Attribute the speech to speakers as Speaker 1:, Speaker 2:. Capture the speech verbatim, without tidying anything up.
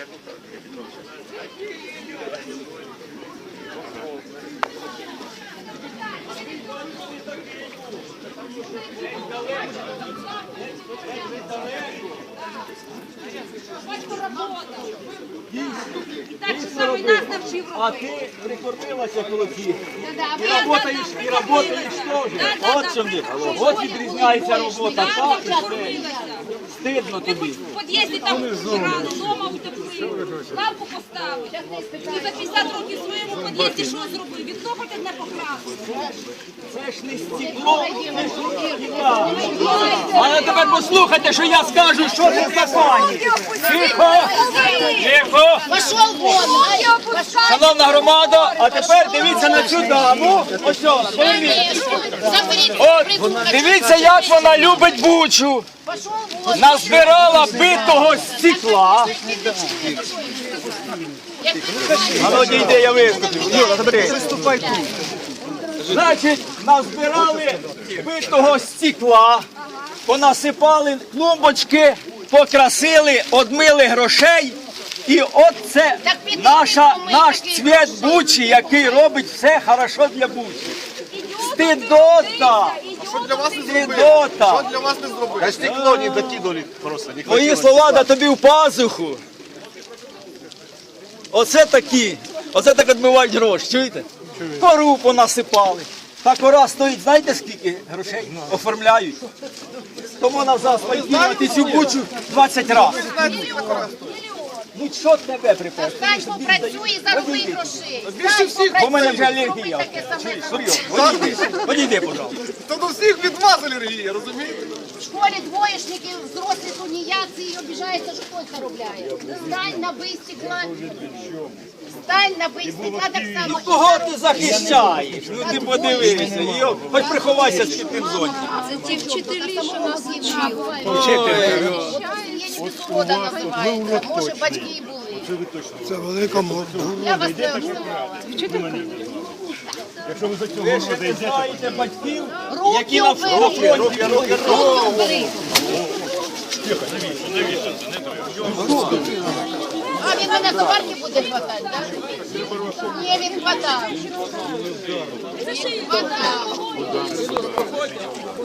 Speaker 1: А ти прикормилася коло всіх. І працюєш, і працюєш теж. От що в От відрізняється робота. Так, і все. Стидно тобі.
Speaker 2: В під'їзді там рано, дома утеплив, лавку поставив. Ти за п'ятдесят років в своєму під'їзді що зробив? Вікно хоч одне покрасив.
Speaker 1: Це ж не стекло, це ж стекла. Але тепер послухайте, що я скажу, що це в законі. Тихо! Тихо!
Speaker 3: Пошел вон!
Speaker 1: Шановна громада, а тепер дивіться на цю даму. Ось що, подивіться. От, дивіться, як вона любить Бучу. Назбирала битого стекла. А ну, дійди, я виступлю. Юра, забери. Приступай тут. Значить, назбирали битого стекла, понасипали клумбочки, покрасили, одмили грошей. І от це наша, наш цвіт Бучі, який робить все хорошо для Бучі. Стидота!
Speaker 4: Що для вас не зробили?
Speaker 1: Стидота!
Speaker 4: Що для вас не зробили? А стекло не докинули просто. Не
Speaker 1: Мої слова да тобі в пазуху. Оце такі, оце так відмивають гроші, чуєте? Кору понасипали. Та кора стоїть, знаєте скільки грошей оформляють? Тому на заасфальтувати цю Бучу двадцять разів. Ну що тебе припав?
Speaker 3: Стань попрацюй і зароби грошей.
Speaker 4: Більше всіх.
Speaker 1: Бо в мене вже алергія. Серйозно, подійди, пожалуйста.
Speaker 4: Та до всіх від вас алергія, розумієте?
Speaker 3: В школі двоєшники, взрослі тунеядці і обіжаються, що хтось заробляє. Стань на бий стекла. Стань на бий стекла так само.
Speaker 1: Кого ти захищаєш? Ну ти подивися. Йо, хоч приховайся з чіпним зонтиком.
Speaker 3: Це ті вчителі, що нас вчили. От у сім'ї безсвобода називається. Може, батьки і були.
Speaker 5: Це велика морда.
Speaker 3: Я вас не обзивала.
Speaker 5: Якщо ви за цього
Speaker 1: Ви ще не знаєте батьків, які
Speaker 3: Руки
Speaker 1: на
Speaker 3: убери.
Speaker 1: фронті. Руки, руки,
Speaker 3: Руки убери. А він мене за варки буде хватати, так? Ні, він хватав. Він хватав.